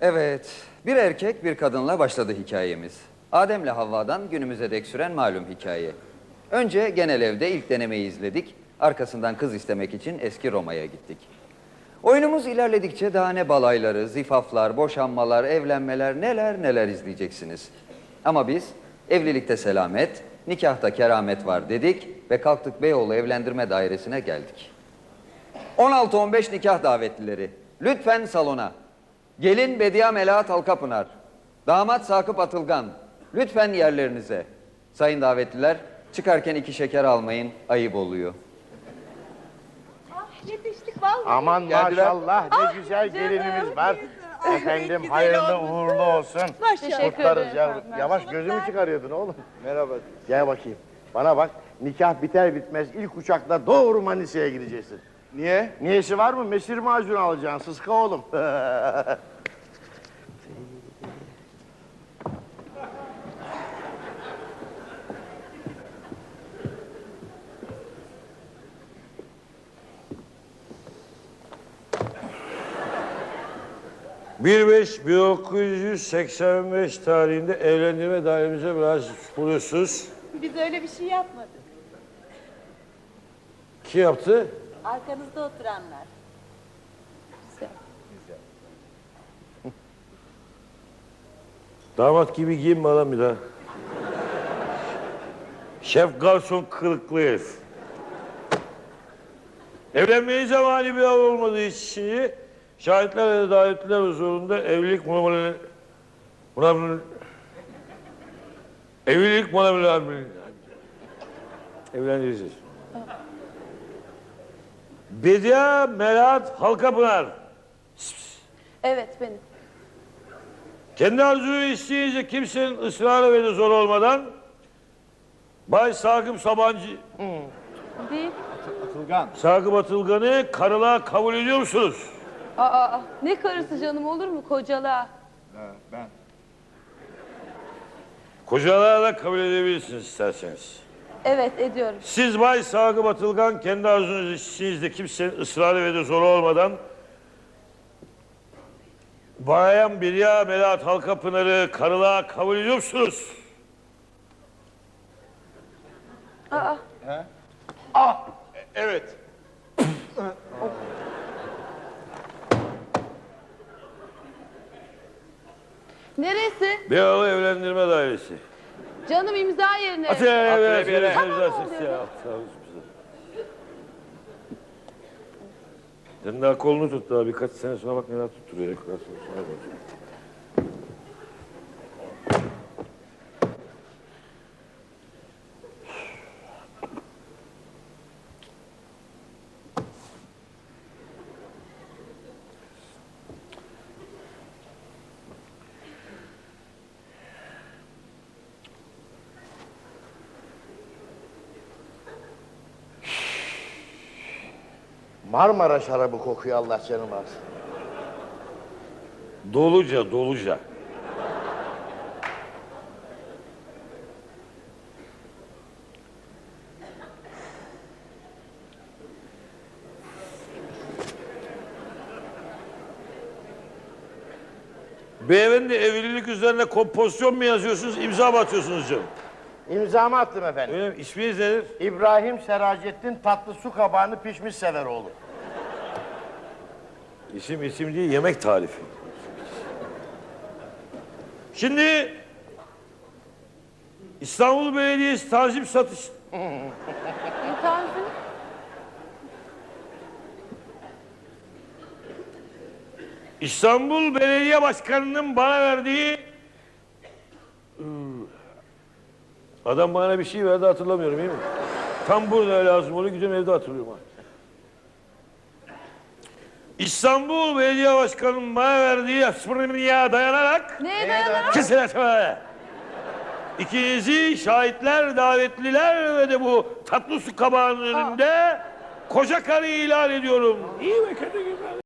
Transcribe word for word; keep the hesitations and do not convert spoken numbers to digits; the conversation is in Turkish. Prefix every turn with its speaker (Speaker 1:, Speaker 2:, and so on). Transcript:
Speaker 1: Evet, bir erkek bir kadınla başladı hikayemiz. Adem'le Havva'dan günümüze dek süren malum hikaye. Önce genel evde ilk denemeyi izledik. Arkasından kız istemek için eski Roma'ya gittik. Oyunumuz ilerledikçe daha ne balayları, zifaflar, boşanmalar, evlenmeler neler neler izleyeceksiniz. Ama biz evlilikte selamet, nikahta keramet var dedik ve kalktık Beyoğlu Evlendirme Dairesi'ne geldik. on altı on beş nikah davetlileri, lütfen salona. Gelin Bediye Melahat Halkapınar, damat Sakıp Atılgan, lütfen yerlerinize. Sayın davetliler, çıkarken iki şeker almayın, ayıp oluyor.
Speaker 2: Ah, yetiştik vallahi.
Speaker 3: Aman
Speaker 1: Geldiler.
Speaker 3: maşallah ne
Speaker 2: Ah,
Speaker 3: güzel
Speaker 2: canım,
Speaker 3: gelinimiz var.
Speaker 2: ah,
Speaker 3: Efendim
Speaker 2: güzel
Speaker 3: hayırlı
Speaker 2: olmuş.
Speaker 3: uğurlu olsun.
Speaker 2: Maşallah.
Speaker 3: Kutlarız yavrum. Yavaş gözümü çıkarıyordun oğlum. Merhaba. Gel bakayım. Bana bak, nikah biter bitmez ilk uçakla doğru Manisa'ya gideceksin.
Speaker 4: Niye?
Speaker 3: Niyesi var mı? Mesir macunu alacaksın sıska oğlum.
Speaker 5: bir beş bin dokuz yüz seksen beş tarihinde evlendirme dairemize müracaat buluyorsunuz.
Speaker 2: Biz öyle bir şey yapmadık.
Speaker 5: Kim yaptı?
Speaker 2: Arkanızda oturanlar.
Speaker 5: Damat gibi giyinme lan bir daha. Şef garson kılıklı herif. Evlenmeye zamanı bir av olmadığı için şahitler ve davetliler huzurunda evlilik muamele... Muamele... Evlilik muamele... Evlendireceğiz. Bediye Melahat Halkapınar.
Speaker 6: Evet benim.
Speaker 5: Kendi arzu ve isteğince kimsenin ısrarı ve de zor olmadan Bay Sakıp Sabancı...
Speaker 6: Değil.
Speaker 4: Atılgan.
Speaker 5: Sakıp Atılgan'ı karılığa kabul ediyor musunuz?
Speaker 6: Aa, aa, ne karısı canım olur mu kocalığa?
Speaker 4: Ha, ben.
Speaker 5: Kocalığa da kabul edebilirsiniz isterseniz.
Speaker 6: Evet ediyorum.
Speaker 5: Siz Bay Sakıp Atılgan kendi arzunuz isteğinizde kimsenin ısrarı ve de zoru olmadan Bayan Bediye Melahat Halkapınar'ı karılığa kabul ediyor musunuz?
Speaker 6: Aa,
Speaker 4: Ah, evet.
Speaker 6: neresi?
Speaker 5: Beyoğlu Evlendirme Dairesi.
Speaker 6: Canım imza yerine.
Speaker 5: Atilla
Speaker 4: bir yere.
Speaker 6: Tamam, oluyor.
Speaker 5: Sen daha kolunu tut daha birkaç sene sonra bak neler tutturuyor. Sonra bak.
Speaker 3: Marmara şarabı kokuyor Allah canım alsın.
Speaker 5: Doluca, doluca. Beyefendi evlilik üzerine kompozisyon mu yazıyorsunuz, imza mı atıyorsunuz canım?
Speaker 3: İmzamı attım efendim.
Speaker 5: Öyle mi? İsminiz nedir?
Speaker 3: İbrahim Seracettin tatlı su kabağını pişmiş sever oğlum.
Speaker 5: İsim isim değil, yemek tarifi. Şimdi İstanbul Belediyesi tanzim satış...
Speaker 6: Tanzim.
Speaker 5: İstanbul Belediye Başkanı'nın bana verdiği... Adam bana bir şey verdi hatırlamıyorum iyi mi? Tam burada lazım oluyor, gidiyorum evde hatırlıyorum. İstanbul Belediye Başkanı'nın bana verdiği ya dayanarak...
Speaker 6: Neye dayanarak?
Speaker 5: Kesinlikle. İkinizi şahitler, davetliler ve de bu tatlı su kabağının önünde koca karı ilan ediyorum. İyi ve kötü gibi.